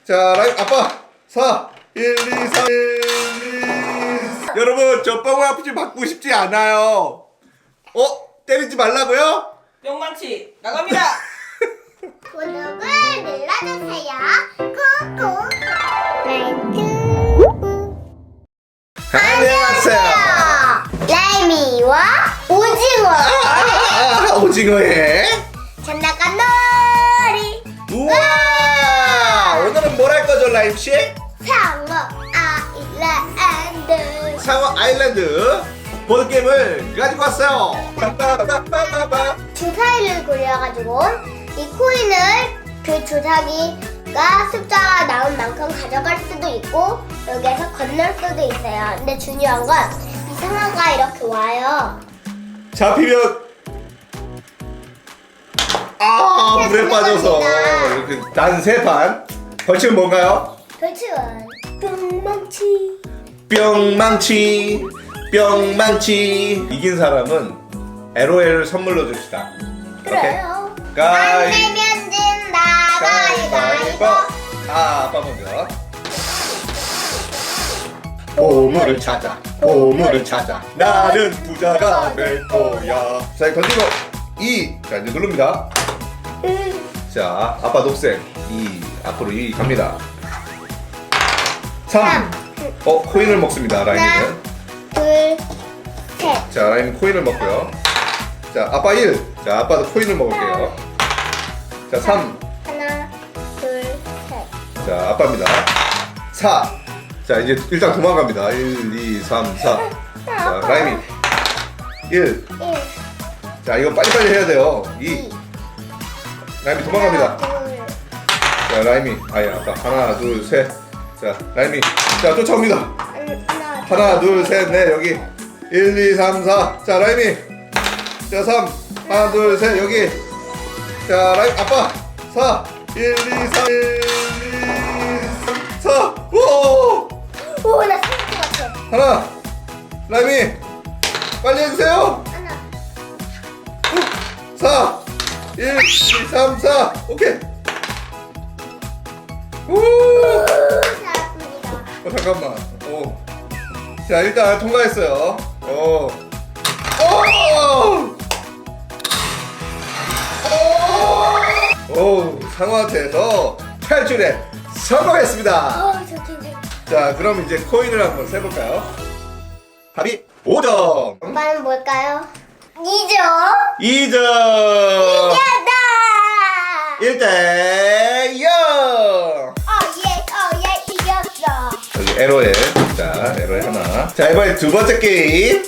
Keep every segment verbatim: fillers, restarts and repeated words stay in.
자, 라임 아빠 사 일 이 삼 일 이 여러분 저 뻥 아프지 받고 싶지 않아요. 어? 때리지 말라고요? 뿅망치 나갑니다. 구독을 눌러주세요. 꾹꾹. 라이트. 안녕하세요. 라이미와 오징어. 아, 아, 아, 오징어에 장난감 놀이. 우와! 오늘은 뭘 할 거죠, 라임 씨? 상어 아일랜드. 상어 아일랜드 보드 게임을 가지고 왔어요. 빠빠빠빠빠빠. 주사위를 굴려가지고 이 코인을 그 주사기가 숫자가 나온 만큼 가져갈 수도 있고 여기에서 건널 수도 있어요. 근데 중요한 건 이 상어가 이렇게 와요. 잡히면 아 물에 빠져서 이렇게 단 세 판. 벌칙은 뭔가요? 벌칙은 뿅망치. 뿅망치 뿅망치. 이긴 사람은 엘오엘을 선물로 줍시다. 그래요. 안 가위 되면 진다. 가위바위보. 아 아빠 먼저. 보물을 찾아 보물을 찾아 나는 부자가 될 거야. 자 이거 던지고 이. 자 이제 누릅니다. 자 아빠 녹색 이. 앞으로 이 갑니다. 삼. 어 코인을 먹습니다 라임이는. 둘, 셋. 자 라임은 코인을 먹고요. 자 아빠 일. 자 아빠도 코인을 먹을게요. 자 삼. 하나, 둘, 셋. 자 아빠입니다. 사. 자 이제 일단 도망갑니다. 일, 이, 삼, 사. 자 라임이 일. 일, 자 이거 빨리빨리 해야 돼요. 이. 이. 라임이 도망갑니다. 둘, 자 라임이 아니 아빠 하나 둘 셋. 자 라임이 자 쫓아옵니다. 하나, 하나 둘 셋 넷 여기 일, 이, 삼, 사. 자 라임이 자 삼. 하나 둘 셋 여기. 자 라임 아빠 사. 일, 이, 삼, 일, 이, 사. 오! 오, 나 생각 같아. 하나. 라임이 빨리 해주세요. 하나. 사. 일, 이, 삼, 사. 오케이. 오! 잘했습니다. 어, 잠깐만. 오. 자, 일단 통과했어요. 오. 오! 오! 상어한테서 탈출에 성공했습니다. 어, 저 괜찮아. 자, 그럼 이제 코인을 한번 세볼까요? 답이 오 점. 오빠는 뭘까요? 이 점. 이 점. 이겼다. 일 대 영. 어예, 어예, 이겼어. 여기 에로에. 자, 에로에 하나. 자, 이번에 두 번째 게임.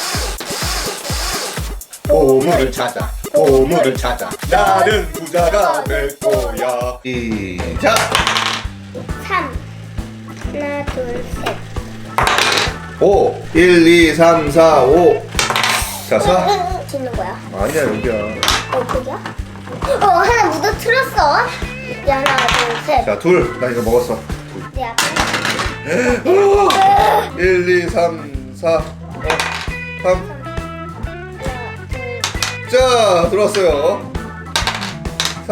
보물을 찾아. 보물을 찾아. 나는 부자가 될 거야. 시작. 삼. 하나, 둘, 셋. 오. 일, 이, 삼, 사, 오. 자, 사. 짓는 거야. 아니야, 여기야. 어, 그게야? 어, 하나 묻어틀었어. 야, 하나, 둘, 셋. 자, 둘. 나 이거 먹었어. 내 앞에. 일, 이, 삼, 사, 오, 삼. 하나, 둘. 자, 들어왔어요. 사.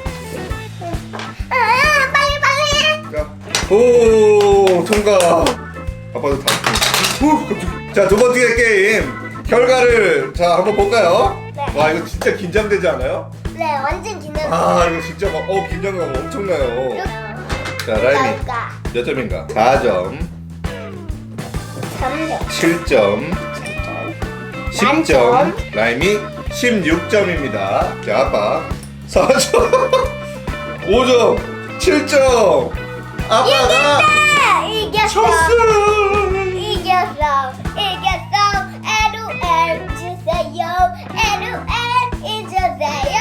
아, 빨리, 빨리. 자, 오, 통과. 아빠도 다. 오, 깜짝이야. 자, 두 번째 게임 결과를 자 한번 볼까요? 네. 와, 이거 진짜 긴장되지 않아요? 네, 완전 긴장. 아, 이거 진짜 막, 어, 긴장감 엄청나요. 자, 라임이 그러니까 몇 점인가? 사 점, 삼 점. 칠 점, 십 점, 라임이 십육 점입니다. 자, 아빠 사 점, 오 점, 칠 점. 아빠가 이겼어. 쳤어. 이겼어. 이겼어. 에루엘 주세요. 에루엘 잊으세요.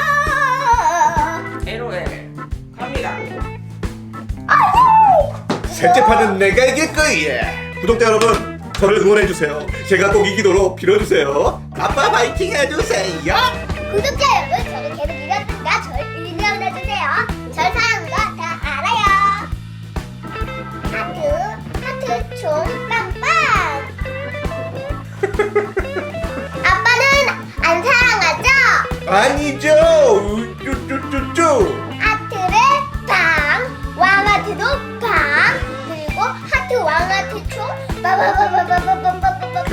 에로엘 갑니다. 셋째 판은 내가 이길 거야. 구독자 여러분, 저를 응원해주세요. 제가 꼭 이기도록 빌어주세요. 아빠 파이팅 해주세요. 구독자 여러분, 저는 계속 이겼으니까 저를 응원해주세요. 절 사랑하는 거 다 알아요. 하트, 하트 총 빵빵. 아빠는 안 사랑하죠? 아니죠. 우쭈쭈쭈쭈. 하트를 빵. 왕아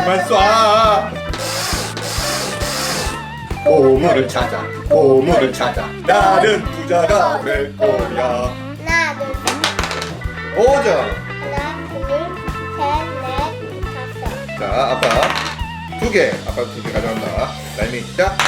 그만 쏴. 보물을 찾아, 보물을 찾아. 나는 부자가 될 거야. 하나, 둘, 셋. 오 점. 하나, 둘, 셋, 넷, 다섯. 자, 아빠 두 개. 아빠 두 개 가져간다. 라임이 시작.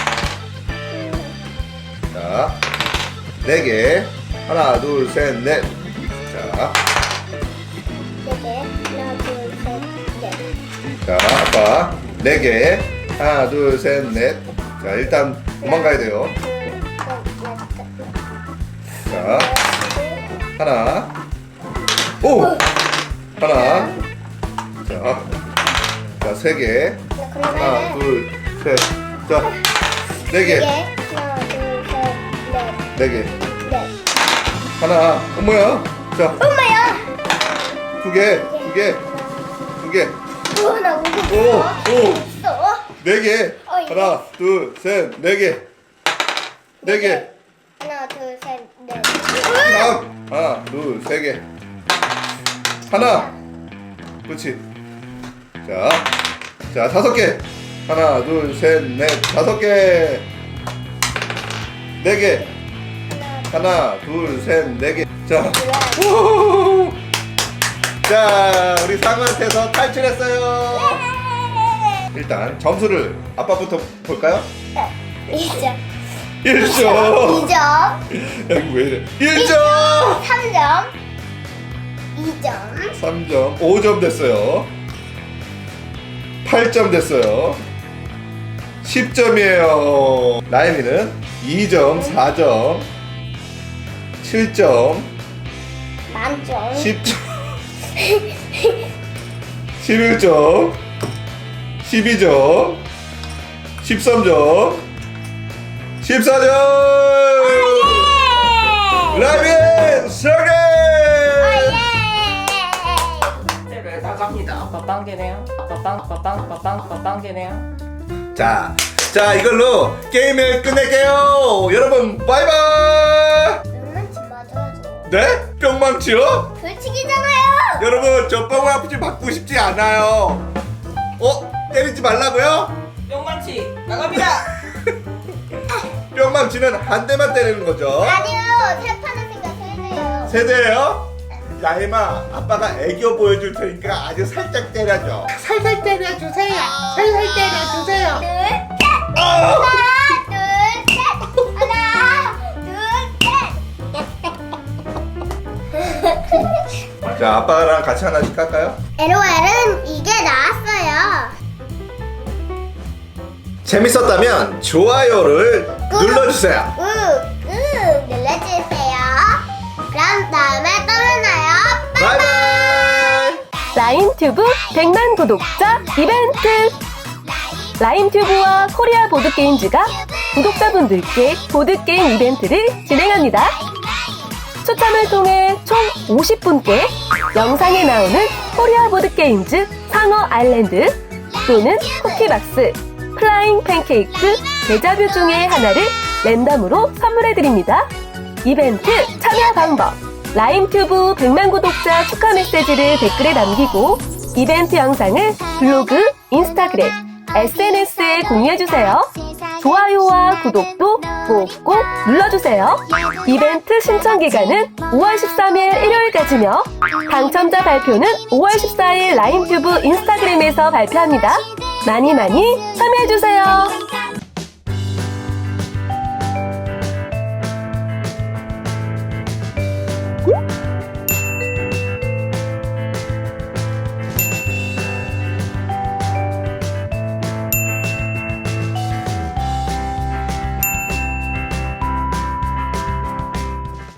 자, 네 개. 하나, 둘, 셋, 넷. 자, 네 개. 하나, 둘, 셋, 넷. 자, 아빠 네 개. 하나, 둘, 셋, 넷. 자, 일단 도망가야 돼요. 둘, 셋, 넷. 자, 하나. 오! 하나. 자, 자, 세 개. 하나, 그러면은 둘, 셋. 자, 네 네 개. 개. 하나, 둘, 셋, 넷. 네 개. 넷. 하나. 어, 뭐야? 자, 엄마야. 두 개. 두 개. 두 개. 우와, 나 무슨 오! 오! 있어? 네 개. 어, 예. 하나, 둘, 셋, 네 개. 네 개. 하나, 둘, 셋, 넷. 다음. 하나, 둘, 세 개. 하나. 그렇지. 자, 자, 다섯 개. 하나, 둘, 셋, 넷, 다섯 개. 네 개. 하나, 둘, 셋, 네 개. 자, 우후. 자, 우리 상어한테서 탈출했어요. 일단 점수를 아빠부터 볼까요? 이 점. 일 점. 이 점. 여기 왜 이래? 일 점. 삼 점. 이 점. 삼 점. 오 점 됐어요. 팔 점 됐어요. 십 점이에요. 라임이는 이 점, 사 점, 칠 점, 만점. 십 점, 십일 점, 십이 점, 십삼 점, 십사 점. 라임이 승리! 네, 나갑니다. 아빠 빵개네요. 아빠 빵, 아빠 빵, 아빠 빵, 아빠 빵개네요. 자, 자 이걸로 게임을 끝낼게요. 여러분 바이바이. 뿅망치 맞아야죠. 네? 뿅망치요? 벌칙이잖아요. 여러분 저 뿅망치 받고 싶지 않아요. 어? 때리지 말라고요? 뿅망치 나갑니다. 뿅망치는 한 대만 때리는 거죠. 아니요. 세 판은 생각해야 돼요. 세대예요? 야임아, 아빠가 애교 보여줄 테니까 아주 살짝 때려줘. 살살 때려주세요. 살살 때려주세요. 둘, 셋. 아! 하나, 둘, 셋. 하나, 둘, 셋. 자, 아빠랑 같이 하나씩 할까요? 엘오엘은 이게 나왔어요. 재밌었다면 좋아요를 눌러주세요. 꾹꾹 눌러주세요. 그럼 다음에 또 만나요. 바이바이. 라임튜브 백만 구독자 이벤트! 라임튜브와 코리아 보드게임즈가 구독자분들께 보드게임 이벤트를 진행합니다. 추첨을 통해 총 오십 분께 영상에 나오는 코리아 보드게임즈 상어 아일랜드 또는 쿠키박스, 플라잉 팬케이크, 데자뷰 중에 하나를 랜덤으로 선물해드립니다. 이벤트 참여 방법: 라임튜브 백만 구독자 축하 메시지를 댓글에 남기고 이벤트 영상을 블로그, 인스타그램, 에스엔에스에 공유해주세요. 좋아요와 구독도 꼭꼭 눌러주세요. 이벤트 신청 기간은 오월 십삼일 일요일까지며 당첨자 발표는 오월 십사일 라임튜브 인스타그램에서 발표합니다. 많이 많이 참여해주세요.